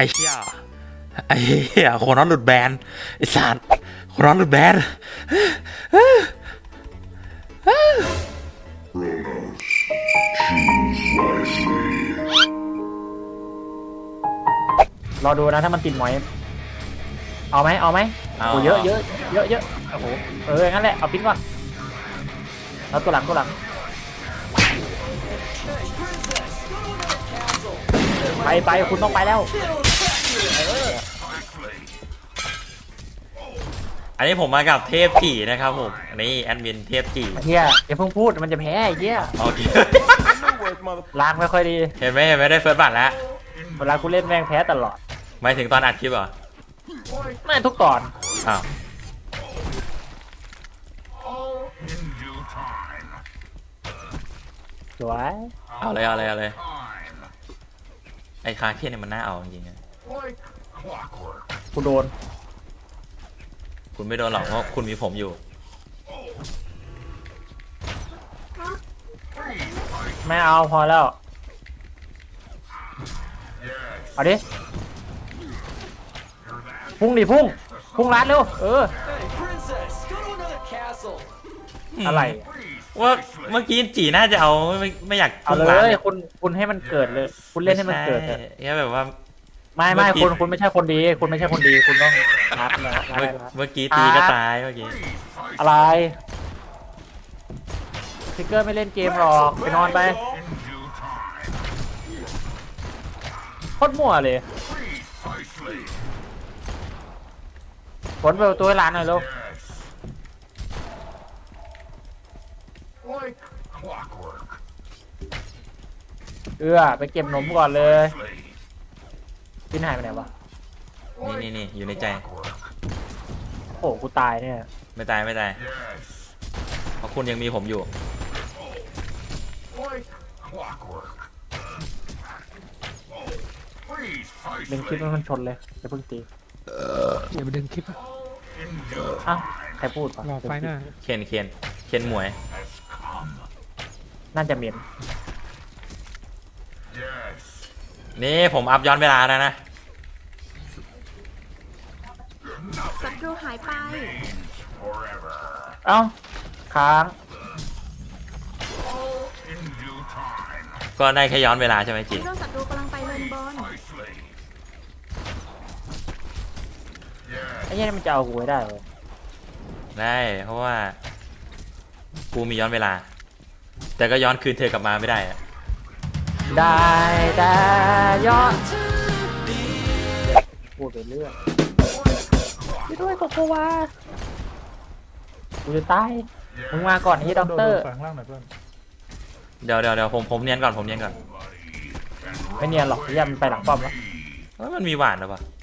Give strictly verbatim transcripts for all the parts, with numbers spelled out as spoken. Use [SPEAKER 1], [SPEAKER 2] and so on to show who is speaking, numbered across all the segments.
[SPEAKER 1] อ้เหี้ยไอ้เหี้ยโคน็อตหลุดแบนไอ้สัตว์โคน็อตหลุดแบน
[SPEAKER 2] รอดูนะถ้ามันติดหมอยเอาไหมเอาไหมโอ้เยอะเยอะเยอะเยอะโอ้โหเอองั้นแหละเอาปิ้นก่อนแล้วตัวหลังตัวหลังไปไปคุณต้องไปแล้ว
[SPEAKER 1] อันนี้ผมมากับเทพจีนะครับผมอันนี้แอดมินเทพจี
[SPEAKER 2] เฮียอย่าเพิ่งพูดมันจะแพ้ไอ้เฮีย
[SPEAKER 1] โอเค
[SPEAKER 2] ล้างไม่ค่อยดี
[SPEAKER 1] เห็นไหมเห็นไหมได้เฟิร์สบัตรแล้ว
[SPEAKER 2] เวลากูเล่นแม่งแพ้ตลอด
[SPEAKER 1] หมายถึงตอนอัดคลิปเหรอ
[SPEAKER 2] ไม่ทุกตอน
[SPEAKER 1] อ้าว
[SPEAKER 2] สวย
[SPEAKER 1] เอาเลยเอาเลยเอาเลยไอ้คาเทียนเนี่ยมันน่าเอาจริงๆนะ
[SPEAKER 2] กูโดน
[SPEAKER 1] คุณไม่โดนหรอกเพราะคุณมีผมอยู่
[SPEAKER 2] ไม่เอาพอแล้วเอาดิพุ่งดิพุ่งพุ่งรัดเร็วเอออะไร
[SPEAKER 1] ว่าเมื่อกี้จีน่าจะเอาไม่ไม่อยาก
[SPEAKER 2] เอา
[SPEAKER 1] พุ่ง
[SPEAKER 2] เล
[SPEAKER 1] ร้าน
[SPEAKER 2] ยคุณคุณให้มันเกิดเลย คุณเล่นให้มันเกิดเถอะ
[SPEAKER 1] แค่แบบว่า
[SPEAKER 2] ไม่ไม่
[SPEAKER 1] เมื่อกี้
[SPEAKER 2] คุณคุณไม่ใช่คนดี คุณไม่ใช่คนดีคุณต้องรัดนะรัด
[SPEAKER 1] เมื่อ
[SPEAKER 2] รัด
[SPEAKER 1] เมื่อกี้ตีก็ตายเมื่อกี้
[SPEAKER 2] อะไรซิกเกอร์ไม่เล่นเกมหรอกไปนอนไปโคตรมั่วเลยผลเปิดประตัวให้ร้านหน่อยลูกเออไปเก็บหนมก่อนเลยพี่นายไปไหนวะ
[SPEAKER 1] นี่นี่นี่อยู่ในใจ
[SPEAKER 2] โอ้กูตายเนี่ย
[SPEAKER 1] ไม่ตายไม่ตายเพราะคุณยังมีผมอยู่
[SPEAKER 2] ดึงคลิปมันชนเลยจะเพิ่งตี
[SPEAKER 3] อย่าไปดึงคลิป
[SPEAKER 2] อ้าวใครพูดวะ
[SPEAKER 3] รอไฟหน้า
[SPEAKER 1] เคนเคนเคนหมวย
[SPEAKER 2] น่าจะเหม็น
[SPEAKER 1] นี่ผมอัพย้อนเวลาแล้วนะ
[SPEAKER 4] ศัตรูหายไป
[SPEAKER 2] เอ้าค้าง
[SPEAKER 1] ก็ได้แค่ย้อนเวลาใช่ไหมจี
[SPEAKER 4] ฮีโร่ศัตรูกำลังไปเลนบอล
[SPEAKER 2] ไอ้เหี้ยนี่มันจะเอากูไว้ได้เลย
[SPEAKER 1] ได้เพราะว่ากูมีย้อนเวลา แต่ก็ย้อนคืนเธอกลับมาไม่ได้อะ
[SPEAKER 2] ได้แต่ยอดพูดไปเรื่อยไปด้วยกับกูว่ากูจะตายมึงมาก่อนไอ้ด็อกเตอร์
[SPEAKER 3] แฝงล่างหน่อยเพื่อน
[SPEAKER 1] เดี๋ยวเดี๋ยวเดี๋ยวผมผมเนียนก่อนผมเนียนก่อน
[SPEAKER 2] ไม่เนียนหรอกไอ้เหี้ยมันไปหลังป้อมแล้ว
[SPEAKER 1] เอ้ยมันมีหวานหรือเปล่า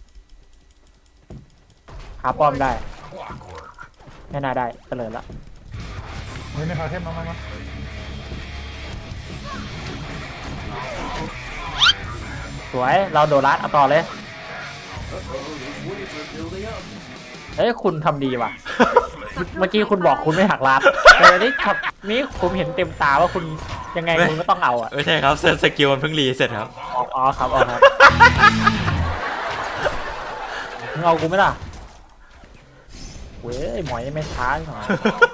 [SPEAKER 2] หาป้อมได้ไม่น่าได้เฉลยละ
[SPEAKER 3] เฮ้ยในคาเทมมามามา
[SPEAKER 2] สวยเราโดนรัดเอาต่อเลยเอ้ยคุณทำดีว่ะ เมื่อกี้คุณบอกคุณไม่หักรัดแต่อันนี้ครับนี่ผมเห็นเต็มตาว่าคุณยังไงคุณก็ต้องเอาอ่ะ
[SPEAKER 1] ไม่ใช่ครับสกิลมันเพิ่งรีเสร็จครับ
[SPEAKER 2] อ๋ออ๋อครับอ๋อครับมึงเอากูไหมล่ะเว้ยหมอยไม่ช้าหน่อย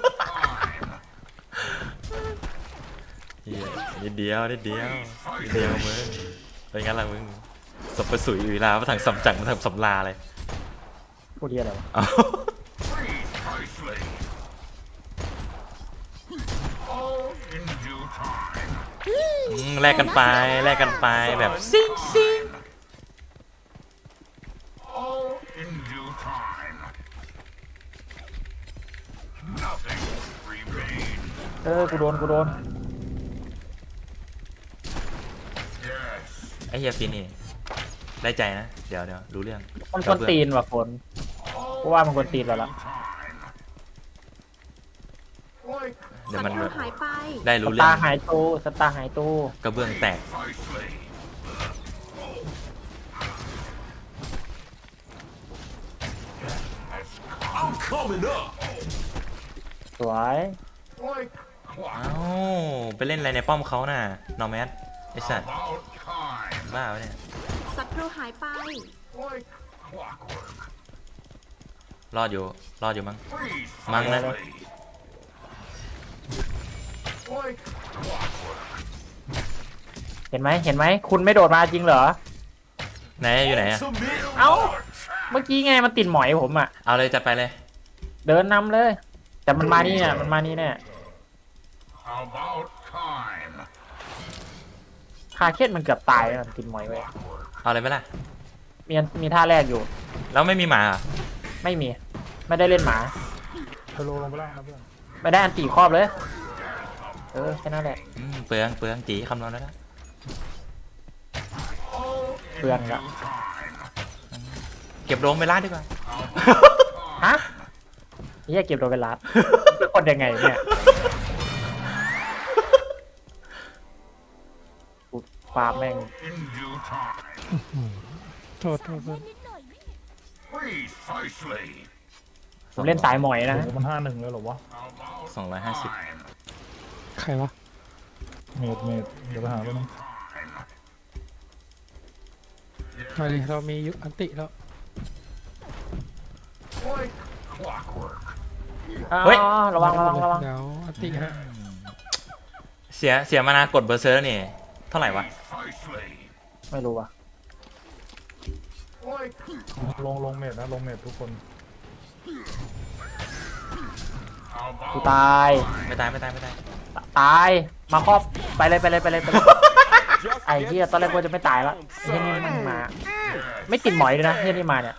[SPEAKER 1] เหี้ยนิดเดียวนิดเดียวนิดเดียวมึงเป็นงั้นละมึงสบประสุยอยู่ลามาทางสำจังมาทางสำลาเลย
[SPEAKER 2] พูดเดียอะไรวะ
[SPEAKER 1] เอาอืมแลกกันไปแลกกันไปแบบซิงซิง
[SPEAKER 2] เออกูโดนกูโดน
[SPEAKER 1] ไอ้เฮียฟินนี่ได้ใจนะเดี๋ยวเดี๋ยวรู้เรื่อง
[SPEAKER 2] มันคนตีนว่ะคนเพราะว่ามันคนตีนเราละ
[SPEAKER 1] เดี๋ยว
[SPEAKER 4] ศั
[SPEAKER 1] มัน
[SPEAKER 4] ตรูหายไป
[SPEAKER 1] ได้
[SPEAKER 2] ส
[SPEAKER 1] รู้เรื่อ
[SPEAKER 2] ตาง ร์หายตู้สตาร์หายตู้
[SPEAKER 1] กระเบื้องแตก
[SPEAKER 2] สวย
[SPEAKER 1] เอ้าไปเล่นอะไรในป้อมเขาน่ะนอร์แมสไอสัตว์บ้าวะเนี่ย
[SPEAKER 4] ศัตรูรูหายไป
[SPEAKER 1] รอดอยู่รอดอยู่มั้งมั้งนะ
[SPEAKER 2] เห็นไหมเห็นไหมคุณไม่โดดมาจริงเหรอ
[SPEAKER 1] ไหนอยู่ไหนอะ
[SPEAKER 2] เอ้าเมื่อกี้ไงมันติดหมอยผมอ่ะ
[SPEAKER 1] เอาเลยจัดไปเลย
[SPEAKER 2] เดินนำเลย แต่มันมานี่เนี่ยมันมานี่เนี่ย
[SPEAKER 5] About time.
[SPEAKER 2] คาเคสมันเกือบตายแล้วมันติดหมอยไว้
[SPEAKER 1] เอาเลยไหมล่ะ
[SPEAKER 2] มีมีท่าแรกอยู่
[SPEAKER 1] แล้วไม่มีหมาเหรอ
[SPEAKER 2] ไม่มี ไม่ได้เล่นหมา
[SPEAKER 3] เธอโลลงไปล่างนะเพื่อน
[SPEAKER 2] ไม่ได้อันตีครอบเลย เออแค่นั้นแหละ
[SPEAKER 1] อืมเปลืองเปลืองจีคำนวณแล้วนะ
[SPEAKER 2] เปลืองละ
[SPEAKER 1] เก็บโรงไปล้านดีกว่า
[SPEAKER 2] ฮะนี่จะเก็บโดนเวลาเป็นคนยังไงเนี่ยกูฟาร์มแม่ง
[SPEAKER 5] In due time.
[SPEAKER 3] โทษโทษโทษ
[SPEAKER 5] Precisely.
[SPEAKER 2] ผมเล่นสายหมอยนะ
[SPEAKER 3] โอ้โหมันห้าหนึ่งเลยเหรอวะ
[SPEAKER 5] About
[SPEAKER 1] สองร้อยห้าสิบ
[SPEAKER 5] time.
[SPEAKER 3] ใครวะ เมดเมดเดี๋ยวไปหาไปนึง
[SPEAKER 6] มาดิเรามียุอันติแล้ว
[SPEAKER 5] Like clockwork.
[SPEAKER 2] อ๋อ
[SPEAKER 1] เฮ้ย
[SPEAKER 2] ระวังระวังระวัง
[SPEAKER 6] เดี๋ยวอันติฮะ
[SPEAKER 1] เสียเสียมานากดเบอร์เซอร์นี่เท่าไหร่วะ
[SPEAKER 5] Precisely.
[SPEAKER 2] ไม่รู้ว่ะ
[SPEAKER 5] Like
[SPEAKER 3] ลงลงเมดนะลงเมดทุกคน
[SPEAKER 2] กู
[SPEAKER 5] about
[SPEAKER 2] ตาย
[SPEAKER 1] ไม่ตายไม่ตายไม่ตาย
[SPEAKER 2] ตาย มาครอบ ไปเลยไปเลยไปเลยไปเลย ไอ้เหี้ยตอนแรกว่าจะไม่ตายละไอ้เหี้ยนี่มันมา ไม่ติดหมอยเลยนะเหี้ยนี่มาเนี่ย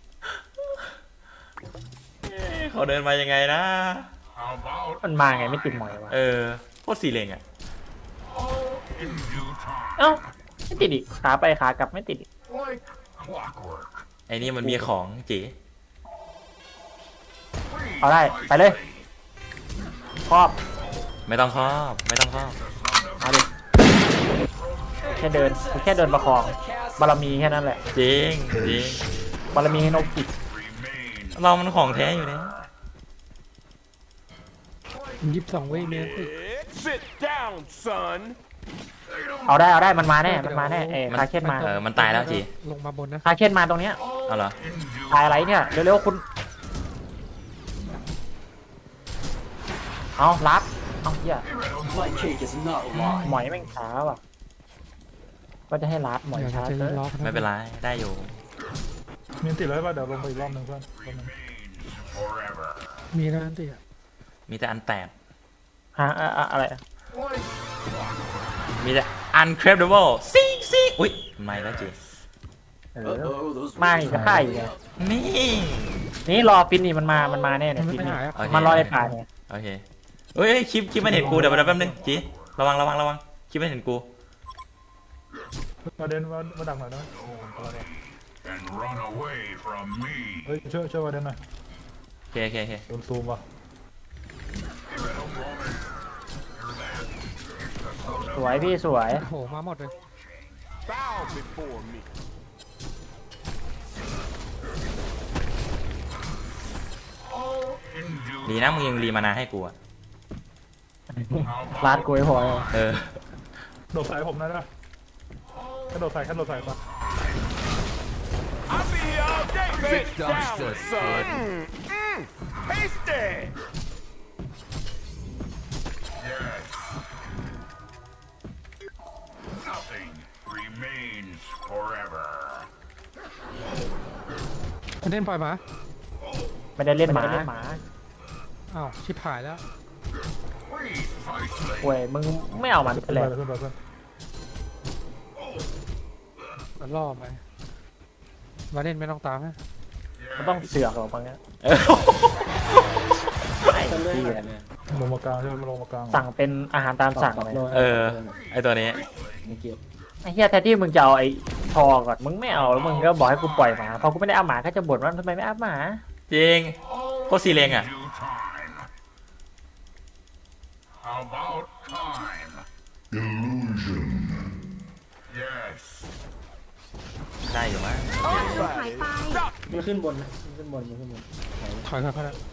[SPEAKER 1] เขาเดินมายังไงนะ
[SPEAKER 5] about
[SPEAKER 2] มันมาไงไม่ติดหมอยวะ
[SPEAKER 1] เออโคตรสีเลงอ่ะ
[SPEAKER 5] in due time.
[SPEAKER 2] เอ้าไม่ติดอีกขาไปขากลับไม่ติดอีก
[SPEAKER 5] Like clockwork.
[SPEAKER 1] ไอ้นี่มันมีของจี
[SPEAKER 2] เอาได้ไปเลย ครอบ
[SPEAKER 1] ไม่ต้องครอบไม่ต้องครอบ
[SPEAKER 2] เอาดิแค่เดินกูแค่เดินประคอง บารมีแค่นั้นแหละ
[SPEAKER 1] จริงจริง
[SPEAKER 2] บารมีให้นกจิก
[SPEAKER 5] Remain
[SPEAKER 1] เรามันของแท้อยู่เนี่ย
[SPEAKER 6] ยี่สิบสองเว้ยเมนติ
[SPEAKER 7] Sit down, son.
[SPEAKER 2] เอาได้เอาได้มันมาแน่มันมาแน่เอ้คาเคนมา
[SPEAKER 1] เออมันตายแล้วจี
[SPEAKER 6] ลงมาบนนะ
[SPEAKER 2] คาเคนมาตรงเนี้ย
[SPEAKER 1] เอาเหรอ
[SPEAKER 2] ตายอะไรเนี่ยเร็วๆคุณเอารับเอาเหี้ยหมอยแม่งช้าว่ะก็จะให้รับหมอย
[SPEAKER 6] เดี๋ยว
[SPEAKER 2] ช้า
[SPEAKER 6] จะ
[SPEAKER 2] เกิน
[SPEAKER 6] ล็อกนะ
[SPEAKER 1] ไม่เป็นไรได้อยู่
[SPEAKER 3] มีอันติดเลยป่ะเดี๋ยวลงไปอีกรอบหนึงเพื่อนรอบหนึง
[SPEAKER 5] forever.
[SPEAKER 6] มีนะอันติอะ
[SPEAKER 1] มีแต่อันแตก
[SPEAKER 2] ฮะอะอะอะไรอะ
[SPEAKER 1] มีแต่ uncredible ซิซิอุ้ยไม่แล้วจี
[SPEAKER 2] เออมาอีกก็ฆ่าอีกไง
[SPEAKER 1] นี่
[SPEAKER 2] นี่รอฟินนี่มันมา มันมาแน่
[SPEAKER 6] มั
[SPEAKER 2] เนี่ย
[SPEAKER 6] น
[SPEAKER 2] ฟิน
[SPEAKER 6] ไม่
[SPEAKER 2] นี่
[SPEAKER 6] หายอะ
[SPEAKER 1] โอเค
[SPEAKER 2] มันรอในป่าเนี่ย
[SPEAKER 1] โอเคเอ้ยคลิปคลิปมันเห็นกูเดี๋ยวเดี๋ยวแป๊บนึงจีระวังระวังระวังคลิปมันเห็นกู
[SPEAKER 3] มาเดนมามาดักหน่อยนะ
[SPEAKER 5] And run away from me.
[SPEAKER 3] เฮ้ยช่วยช่วยมาเดนหน่อย
[SPEAKER 1] โอเคโอเคโอเค
[SPEAKER 3] โดนซูมว่ะ
[SPEAKER 2] สวยพี่สวย
[SPEAKER 6] โอ้โหมาหมดเลย
[SPEAKER 7] Bow before me.
[SPEAKER 5] In due
[SPEAKER 1] ดีนะมึงยังรีมานาให้กูอะ
[SPEAKER 2] ลาดกล้วยพอย
[SPEAKER 1] เออ
[SPEAKER 3] โดดใส่ผมนะนะแค่โดดใส่แค่โดดใส่ป่ะ
[SPEAKER 7] I'll be here all day. Sit down, son. Mm, mm. Hasty.
[SPEAKER 5] yes. Nothing remains forever.
[SPEAKER 6] มันเล่นปล่อยหมา
[SPEAKER 2] ไม่ได้เล่นหมา
[SPEAKER 6] อ้าวชิบหายแล้ว
[SPEAKER 5] Precisely.
[SPEAKER 2] กล้วยมึงไม่เอามัน
[SPEAKER 3] ขึ้น
[SPEAKER 2] เล
[SPEAKER 3] ไป
[SPEAKER 2] ย
[SPEAKER 3] เลยขึ้นไปเพื่อน
[SPEAKER 6] มันล่อไปมาเล่นไม่ต้องตามนะ
[SPEAKER 2] มันต้องเสือกหรอกบางอย่าง
[SPEAKER 1] เออ
[SPEAKER 2] ไอ้ที่
[SPEAKER 3] ลงมากลางใช่ไหมลงมากลาง
[SPEAKER 2] สั่งเป็นอาหารตามสั่งเลย
[SPEAKER 1] เออไอตัวนี้
[SPEAKER 2] ไอ้เหี้ยแทนที่มึงจะเอาไอ้ทอก่อนมึงไม่เอาแล้วมึงก็บอกให้กูปล่อยหมาพอกูไม่ได้เอาหมาก็จะบ่นว่าทำไมไม่เอาหมา
[SPEAKER 1] จริงโคตรสีเลงอ่ะ
[SPEAKER 5] Due time. About time. Illusion. Yes.
[SPEAKER 1] ได้อยู่มั้ง
[SPEAKER 4] ศัตรูหายไป
[SPEAKER 8] มันขึ้นบนนะมันขึ้นบนมันขึ้นบน
[SPEAKER 6] ถอยครับนะ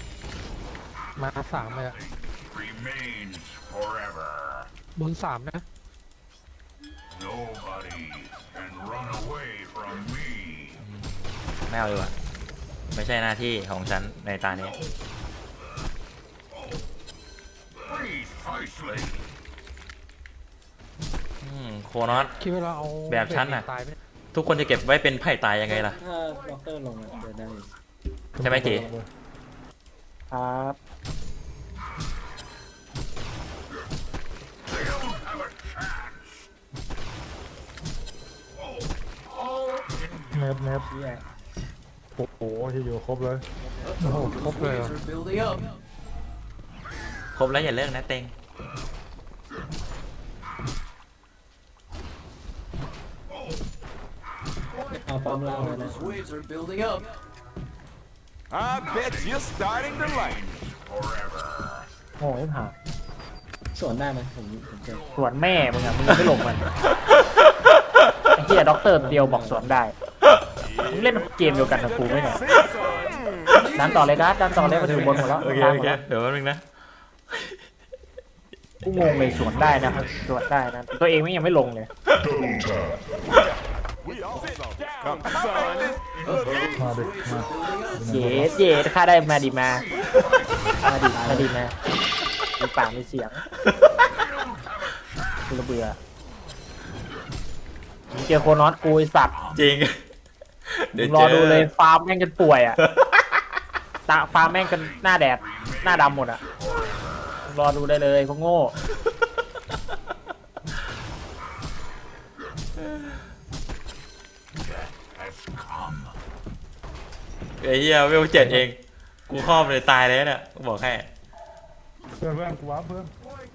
[SPEAKER 6] มาสามเลยอะ
[SPEAKER 5] Remains forever.
[SPEAKER 6] บนสามนะ
[SPEAKER 5] Nobody can run away from me.
[SPEAKER 1] ไม่เอาเลยว่ะไม่ใช่หน้าที่ของฉันในตานี้
[SPEAKER 5] Precisely.
[SPEAKER 1] อืมโคนอส
[SPEAKER 6] คิดว่าเราเอา
[SPEAKER 1] แบบฉันน่ะ
[SPEAKER 6] ตายไหม
[SPEAKER 1] ทุกคนจะเก็บไว้เป็นไพ่ตายยังไงล่ะ
[SPEAKER 8] ถ้าด็อกเตอร์ลงอะเดี๋ยวได้
[SPEAKER 1] ใช่ไหมเก๋
[SPEAKER 2] ครับ
[SPEAKER 5] They don't have a chance.
[SPEAKER 3] เน็ตเน็ต
[SPEAKER 8] เหี้ย
[SPEAKER 3] โอ้โหที่อยู่ครบเลย
[SPEAKER 6] โอ้โหครบเลยเหรอ
[SPEAKER 1] ครบแล้วอย่าเลิกนะเต็ง
[SPEAKER 8] เอาปั๊มล่างเลยนะ
[SPEAKER 7] I bet you're starting to like it.
[SPEAKER 5] Forever.
[SPEAKER 2] โง่ไม่ผ่าน
[SPEAKER 8] สวนได้ไหมผมผมเจอ
[SPEAKER 2] สวนแม่มึงอะมึงยังไม่ลงมันไอ้เหี้ยด็อกเตอร์เดียวบอกสวนได้มึงเล่นเกมเดียวกันกับกูไหมเนี่ย
[SPEAKER 7] See, son?
[SPEAKER 2] ดันต่อเลยนะดันต่อเลยมาถึงบนหมดแล้ว
[SPEAKER 1] โอเค
[SPEAKER 2] กลาง
[SPEAKER 1] โอ
[SPEAKER 2] หมด
[SPEAKER 1] เค
[SPEAKER 2] แล้ว
[SPEAKER 1] เดี๋ยวแป๊บนึงนะ
[SPEAKER 2] กูงงเลยสวนได้นะสวนได้นะตัวเองไม่ยังไม่ลงเลย
[SPEAKER 7] We all saw this. Come, son.
[SPEAKER 3] มาดิมา
[SPEAKER 2] เย็ดเย็ดค่าได้มาดีมามาดีมาดีมามีปากมีเสียงกูระเบื่อมึงเจอโคนอสกูไอสัตว์
[SPEAKER 1] จริง เดี๋ยว เจอ
[SPEAKER 2] มึงรอดูเลยฟาร์มแม่งกันป่วยอ่ะตาฟาร์มแม่งกันหน้าแดดหน้าดำหมดอ่ะมึงรอดูได้เลยพวกโง่
[SPEAKER 5] Has come.
[SPEAKER 1] ไอ้เหี้ยเวลเจ็ดเอง กูครอบเลยตายเลยเนี่ยกูบอกแค่
[SPEAKER 3] เพื่อนเพื่อนกูว้าเพื่อน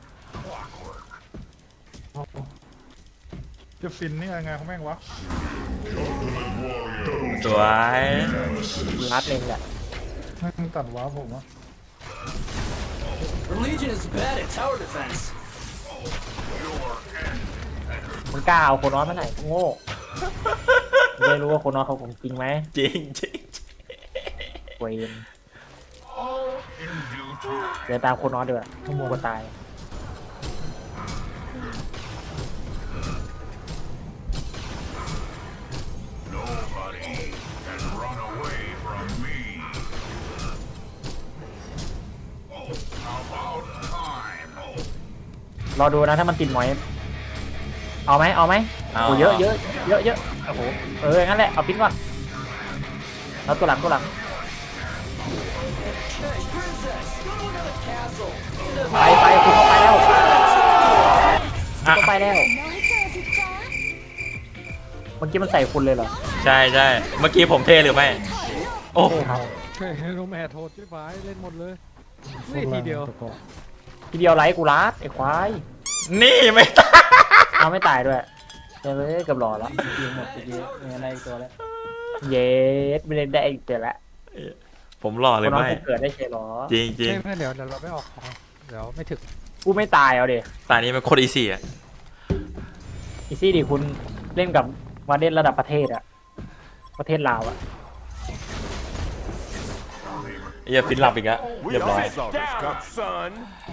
[SPEAKER 3] จะฟินนี่ยังไงเขาแม่งวะ
[SPEAKER 1] สวย
[SPEAKER 2] รัดเองแหละ
[SPEAKER 3] แม่งตัดว้าผมวะ
[SPEAKER 2] มึงกล้าเอาโคนอสมาไหนพวกโง่มึงได้รู้ว่าโคนอสเขาของจริงไหม
[SPEAKER 1] จริงจริง
[SPEAKER 2] เวน
[SPEAKER 5] All in due time.
[SPEAKER 2] เดินตามโคนอสด้วยขโมยก็ตาย
[SPEAKER 5] Nobody can run away from me. About time.
[SPEAKER 2] รอดูนะถ้ามันติดหมอยเอาไหมเอาไหมโอ้เยอะเยอะเยอะเยอะโอ้โหเอองั้นแหละเอาปิ้นก่อนแล้วตัวหลังตัวหลังไปไปคุณเข้าไปแล้วเข้าไปแล้วเมื่อกี้มันใส่คุณเลยเหรอ
[SPEAKER 1] ใช่ใช่เมื่อกี้ผมเทหรือไม่ โอ้
[SPEAKER 2] ครับ
[SPEAKER 6] เฮ้ยโรแมทโทษพี่ฟ้ายเล่นหมดเลยนี่ทีเดียว
[SPEAKER 2] ทีเดียวไลค์กูรัดไอ้ควาย
[SPEAKER 1] นี่ไม่ตาย
[SPEAKER 2] เอาไม่ตายด้วยเดี๋ยวเลยเกือบหล่อแล้ว
[SPEAKER 8] ยิงหมดไปเยอะไม่งั้นได้อีกตัวแล้ว
[SPEAKER 2] เย็ดไม่ได้ได้อีกเดี๋ยวละ
[SPEAKER 1] ผมหล่อ
[SPEAKER 2] ค
[SPEAKER 1] เลย
[SPEAKER 2] นน้อง
[SPEAKER 1] ไม่
[SPEAKER 2] กูเกิดได้เชยหรอ
[SPEAKER 1] จริงจริง
[SPEAKER 6] ไม่ไม่เดี๋ยวเดี๋ยวเราไม่ออกของเดี๋ยวไม่ถึง
[SPEAKER 2] กูไม่ตายเอาดิ
[SPEAKER 1] ตานี้มันโคตรอีซี่อ่ะ
[SPEAKER 2] อีซี่ดิคุณเล่นกับวาเดนระดับประเทศอะประเทศลาวอะ
[SPEAKER 1] ไอ้เหี้ยฟินหลับอีกแล้ว
[SPEAKER 7] We
[SPEAKER 1] เรียบร้อย
[SPEAKER 7] all saw this. Come, son.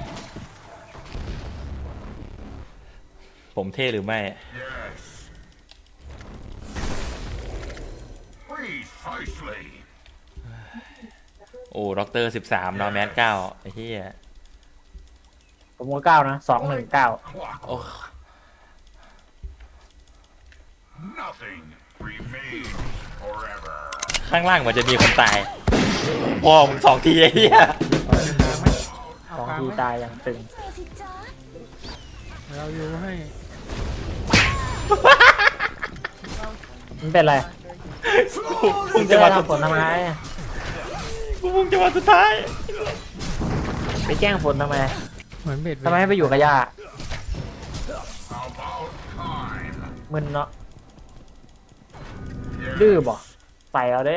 [SPEAKER 1] ผมเท่หรือไม่
[SPEAKER 5] Yes. Precisely.
[SPEAKER 1] โอ้ด็อกเตอร์สิบสามนอร์แมนเก้าไอ้เหี้ย
[SPEAKER 2] ผมว่าเก้านะสองหนึ่งเก้า
[SPEAKER 1] โอ้
[SPEAKER 5] Nothing remains forever.
[SPEAKER 1] ข้างล่างมันจะมีคนตายพอมึงสองทีไอ้เหี้ย
[SPEAKER 2] สองทีตายอย่างตึง
[SPEAKER 6] เราอยู่ให้
[SPEAKER 2] มันเป็นไร
[SPEAKER 1] พุ่
[SPEAKER 2] มึ
[SPEAKER 1] ง
[SPEAKER 2] ง
[SPEAKER 1] จะ
[SPEAKER 2] จะ
[SPEAKER 1] มา
[SPEAKER 2] มา
[SPEAKER 1] สุด
[SPEAKER 2] ทำผลทำไม
[SPEAKER 1] พุ่งจะมาสุดท้าย
[SPEAKER 2] ไปแกล้งฝนทำไม
[SPEAKER 6] เหมือนเบ็ด
[SPEAKER 2] ทำไมให้ไปอยู่กับย่า
[SPEAKER 5] About time.
[SPEAKER 2] มึนเนาะดื้อบ่ใส่เอาเด้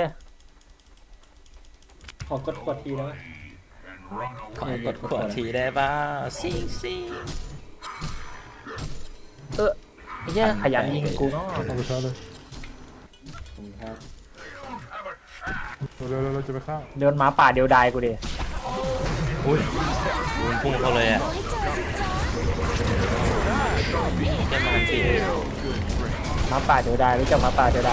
[SPEAKER 8] ขอกดขวดทีแล้ว
[SPEAKER 5] And run
[SPEAKER 1] ขอ
[SPEAKER 5] away.
[SPEAKER 1] กดขวดทีได้ป่ะซิงซิง
[SPEAKER 2] เออไอ้เหี้ยขยันยิงกูเนาะ
[SPEAKER 3] เอาไปชาร์จเลย
[SPEAKER 8] ผมครับ
[SPEAKER 3] เร็วๆเราจะไปฆ่า
[SPEAKER 2] เดินหมาป่าเดียวดายกูดิ
[SPEAKER 1] อุ้ยพุ่งเข้าเลยอ่ะเจ้ามันสิ
[SPEAKER 2] หมาป่าเดียวดายหรือจะหมาป่าเดียวดาย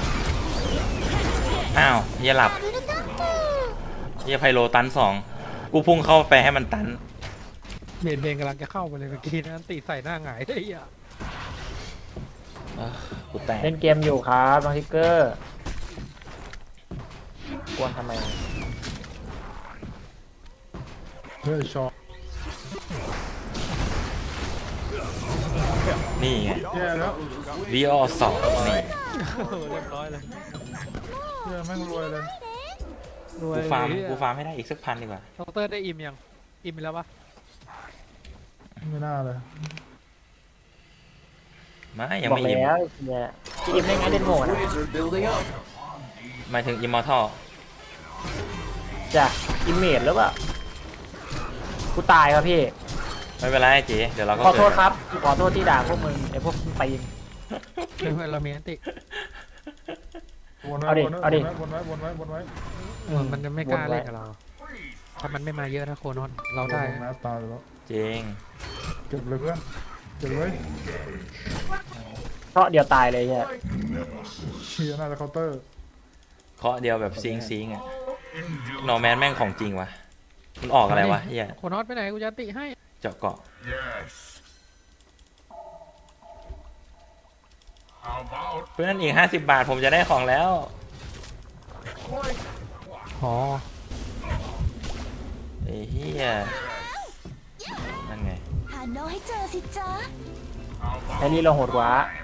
[SPEAKER 1] อ้าวเฮียหลับเฮียไพโลตันสองกูพุ่งเข้าไปให้มันตัน
[SPEAKER 6] เบนเบนกำลังจะเข้าไปเลยเมื่อกี้นะตีใส่หน้าหงายได้อ่ะ
[SPEAKER 1] เอ้อกูแตก
[SPEAKER 2] เล่นเกมอยู่ครับน้องทิกเกอร์กวนทำไม
[SPEAKER 3] เฮ้ยชอ
[SPEAKER 1] นี่ไง
[SPEAKER 3] แย่แล้ว
[SPEAKER 1] วีออสองนี่
[SPEAKER 6] เรียบร้อยเลย
[SPEAKER 3] แย่แม่งรวยเลย
[SPEAKER 6] รวย
[SPEAKER 1] กูฟาร์ม
[SPEAKER 6] เลย
[SPEAKER 1] กูฟาร์มให้ได้อีกสักพันดีกว่า
[SPEAKER 6] ดอกเตอร์ได้อิมยังอิมไปแล้วปะ
[SPEAKER 3] ไม่น่าเลย
[SPEAKER 1] ไม่ยัง
[SPEAKER 2] บอก
[SPEAKER 1] ไม่อิ่ม
[SPEAKER 2] แล้วเนี่ยพี่อิมได้ไงเล่นโง่นะ
[SPEAKER 1] หมายถึงอิมมอร์ทัล
[SPEAKER 2] จ้ะอิมเมจหรือเปล่ากูตายครับพี่
[SPEAKER 1] ไม่เป็นไรเจ๊เดี๋ยวเราก็
[SPEAKER 2] ขอโทษ
[SPEAKER 1] เกิด
[SPEAKER 2] ครับขอโทษที่ด่าพวกมึงไอพวกตีน
[SPEAKER 6] เพื่อนเรามีอันติ
[SPEAKER 3] วนไว้
[SPEAKER 2] เอาดิ
[SPEAKER 3] วนไว้
[SPEAKER 2] เอาดิ
[SPEAKER 3] วนไว้วนไว้วนไว้
[SPEAKER 6] เหมือนมันจะไม่กล้าเล่นกับเรา ถ้ามันไม่มาเยอะนะโคนอนเราได้
[SPEAKER 3] วนไว้นะตายแล้ว
[SPEAKER 1] เจ๊ง
[SPEAKER 3] เก็บเลยเพื่อนเก็บเลย
[SPEAKER 2] เพราะเดียวตายเลยเนี่ย
[SPEAKER 3] เชียร์น่าจะเคาน์เตอร์
[SPEAKER 1] เคาะเดียวแบบซิงซิงอ่ะนอร์แมนแม่งของจริงวะมันออกอะไรวะเฮีย
[SPEAKER 6] โคนอนไปไหนกูจะอันติให้
[SPEAKER 1] เจาะเกาะ
[SPEAKER 5] Yes. How about
[SPEAKER 1] เพื่อนอีกห้าสิบบาทผมจะได้ของแล้ว
[SPEAKER 6] อ๋อ
[SPEAKER 1] ไอ้เฮียนั่นไง
[SPEAKER 4] หาน้องให้เจอสิจ๊ะ
[SPEAKER 2] ไอ้นี่เราโหดกว่า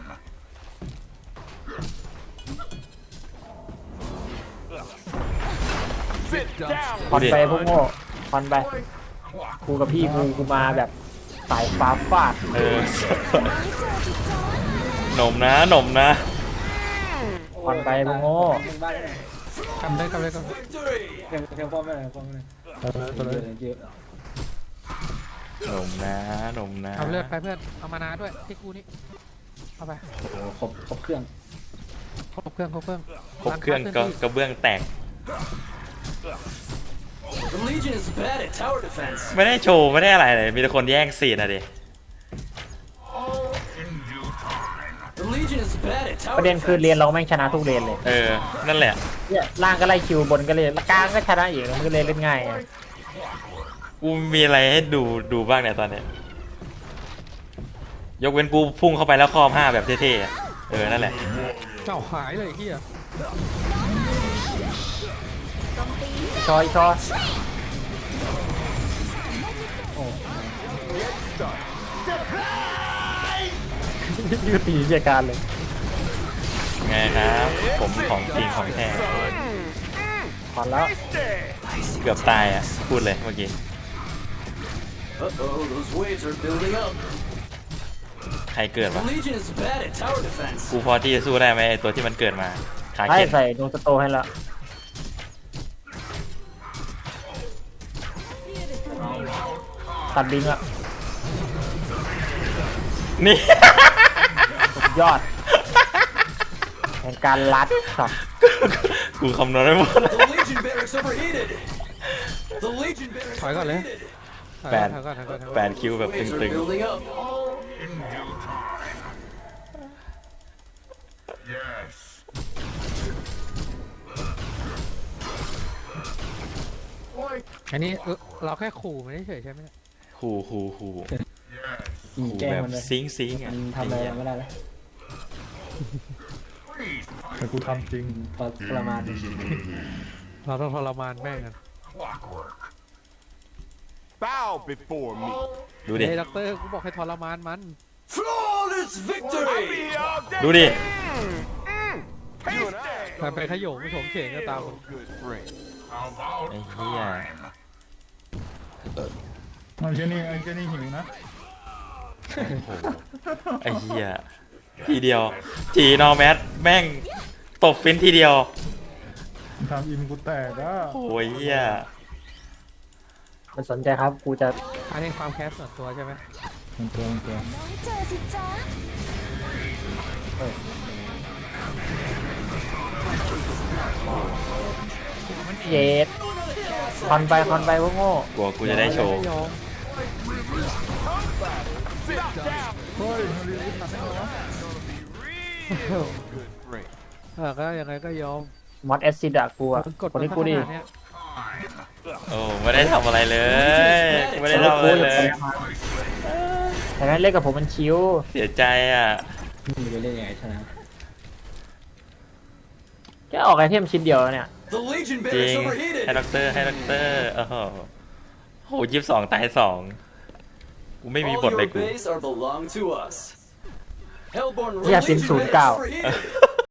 [SPEAKER 7] Sit down.
[SPEAKER 2] คอนไปพวกโง่คอนไปกูกับพี่กูกูมาแบบสายฟ้าฟาด
[SPEAKER 1] เออหนมนะหนมนะ
[SPEAKER 2] คอนไปพวกโง่
[SPEAKER 8] หนึ่งบ้านเลย
[SPEAKER 6] ทำได้ทำได้ก็
[SPEAKER 8] เพียงเพียงป้อมไม่ได้ป้อมไม่ได้
[SPEAKER 3] ไปเลยไปเลย
[SPEAKER 8] เยอะ
[SPEAKER 1] หนมนะหนมนะ
[SPEAKER 6] เอาเลือดไปเพื่อนเอามานาด้วยที่กูนี่เอาไป
[SPEAKER 8] โอ้โหครบครบเครื่อง
[SPEAKER 6] ครบเครื่องครบเครื่อง
[SPEAKER 1] ครบเครื่องก็กระเบื้องแตก
[SPEAKER 9] The Legion is bad at tower defense.
[SPEAKER 1] ไม่ได้โชว์ไม่ได้อะไรเลยมีแต่คนแย่งซีนอะดิ
[SPEAKER 5] in due time?
[SPEAKER 9] The Legion is bad at tower
[SPEAKER 2] ประเด็นคือเรียนเราแม่งชนะทุกเรียนเลย
[SPEAKER 1] เออนั่นแหละ
[SPEAKER 2] เนี่ยล่างก็ไล่คิวบนก็เลยกลางก็ชนะอีกมันก็เลยเล่นง่ายไง
[SPEAKER 1] กูมีอะไรให้ดูดูบ้างเนี่ยตอนเนี้ยยกเว้นกูพุ่งเข้าไปแล้วครอบห้าแบบเท่ๆอะเออนั่นแหละ
[SPEAKER 6] เจ้าหายเลยไอ้เฮีย
[SPEAKER 2] ชอยชอยยืดตีเจียการเลย
[SPEAKER 1] ไงครับ ผมของจริงของแท้
[SPEAKER 2] คอนแล้ว
[SPEAKER 1] เกือบตายอ่ะพูดเลยเมื่อกี้
[SPEAKER 9] Uh-oh, those waves are building up.
[SPEAKER 1] ใครเกิด
[SPEAKER 9] The
[SPEAKER 1] วะ
[SPEAKER 9] Legion is bad at tower defense.
[SPEAKER 1] กูพอที่จะสู้ได้ไหมไอตัวที่มันเกิดมาขา
[SPEAKER 2] ให้
[SPEAKER 1] เข็น
[SPEAKER 2] ใส่ดวงสโตให้แล้วตัดบิงอะ
[SPEAKER 1] นี่
[SPEAKER 2] สุดยอดแห่งการลัดครับ
[SPEAKER 1] กูคำนวณไม่หมด
[SPEAKER 9] The Legion barracks overheated. The Legion barracks
[SPEAKER 6] ถอยก่อนเลย
[SPEAKER 9] overheated.
[SPEAKER 6] ถอย
[SPEAKER 1] แป
[SPEAKER 6] ก่อ
[SPEAKER 1] ด
[SPEAKER 6] นถอยก่อนถอยก่อนถอยก่อน
[SPEAKER 1] แปดคิวแบบ
[SPEAKER 9] Waves
[SPEAKER 1] ตึ
[SPEAKER 9] are
[SPEAKER 1] ง
[SPEAKER 9] building up.
[SPEAKER 5] In due time. Yes.
[SPEAKER 6] อันนี้เออเราแค่ขู่ไม่ได้เฉยใช่ไหมเนี่ย
[SPEAKER 1] ๆขู่ขู่ขู่
[SPEAKER 5] Yes.
[SPEAKER 8] ยิง
[SPEAKER 1] ขู่
[SPEAKER 8] แกล้ง
[SPEAKER 1] แบบ
[SPEAKER 8] มันเลย
[SPEAKER 1] ซิงซิงอ่ะ
[SPEAKER 8] มันทำอะไรไม่ได้แล้ว
[SPEAKER 5] Please.
[SPEAKER 3] แต่กูทำจริง
[SPEAKER 8] พอประมาณ
[SPEAKER 6] เราต้องทรมานแม่งกัน
[SPEAKER 5] Clockwork.
[SPEAKER 7] Bow before me.
[SPEAKER 1] ดูดิ
[SPEAKER 6] เฮ้ยด็อกเตอร์กูบอกให้ทรมานมัน
[SPEAKER 9] Flawless
[SPEAKER 7] I'll be
[SPEAKER 9] victory.
[SPEAKER 7] here all day.
[SPEAKER 1] ดูดิ
[SPEAKER 7] Hasty.
[SPEAKER 6] แต่ไปขยงไม่ถมเข่งก็ตาม
[SPEAKER 7] Good friend.
[SPEAKER 5] How about
[SPEAKER 1] ไอ้เหี้ย
[SPEAKER 5] time?
[SPEAKER 3] มันเจนี่ไอ้เจนี่หิวนะ
[SPEAKER 1] ไอ้เหี้ยทีเดียวจีนอร์แมทแม่งตบฟินทีเดียว
[SPEAKER 3] ทำอิมกูแตกอ่ะ
[SPEAKER 1] โอ้ยเหี้ย
[SPEAKER 2] มันสนใจครับกูจะ
[SPEAKER 6] อันนี้ความแค้นส่วนตัวใช่ไหม
[SPEAKER 3] มันตัวมันตัว
[SPEAKER 4] น้องให้เจอสิจ๊ะ
[SPEAKER 2] เย็ดคอนไปคอนไปพวกโง่
[SPEAKER 1] กลัวกูจะได้โชว์
[SPEAKER 6] ไม่ยอม
[SPEAKER 7] Sit down.
[SPEAKER 3] เฮ้ยมันรีบตัดให้เหรอ
[SPEAKER 7] Real good break.
[SPEAKER 6] เออก็ยังไงก็ยอม
[SPEAKER 2] มอสแอซิดอะกูอะ
[SPEAKER 6] มึงกด
[SPEAKER 2] คนนี้กูดิ
[SPEAKER 6] มาขนาดเนี้ย
[SPEAKER 1] โอ้ไม่ได้ทำอะไรเลยไม่ได้ทำอะไรเลย
[SPEAKER 2] แต่นั้นเล่นกับผมมันชิว
[SPEAKER 1] เสียใจอ่ะ
[SPEAKER 8] มึงจะเล่นยังไงชนะ
[SPEAKER 2] แค่ออกไอเทมชิ้นเดียวเนี่ย
[SPEAKER 9] The Legion
[SPEAKER 1] จริง
[SPEAKER 9] barracks
[SPEAKER 1] ให้
[SPEAKER 9] overheated.
[SPEAKER 1] ด็อกเตอร์ให้ด็อกเตอร์โอ้โหโหยี่สิบสองตายสองกูไม่มี
[SPEAKER 9] All
[SPEAKER 1] บทเลย
[SPEAKER 9] your
[SPEAKER 1] กู
[SPEAKER 9] base are belong to us. Hellborn
[SPEAKER 2] อย่า
[SPEAKER 9] Legion
[SPEAKER 2] เป็นศูนย์เก้า
[SPEAKER 9] barracks overheated.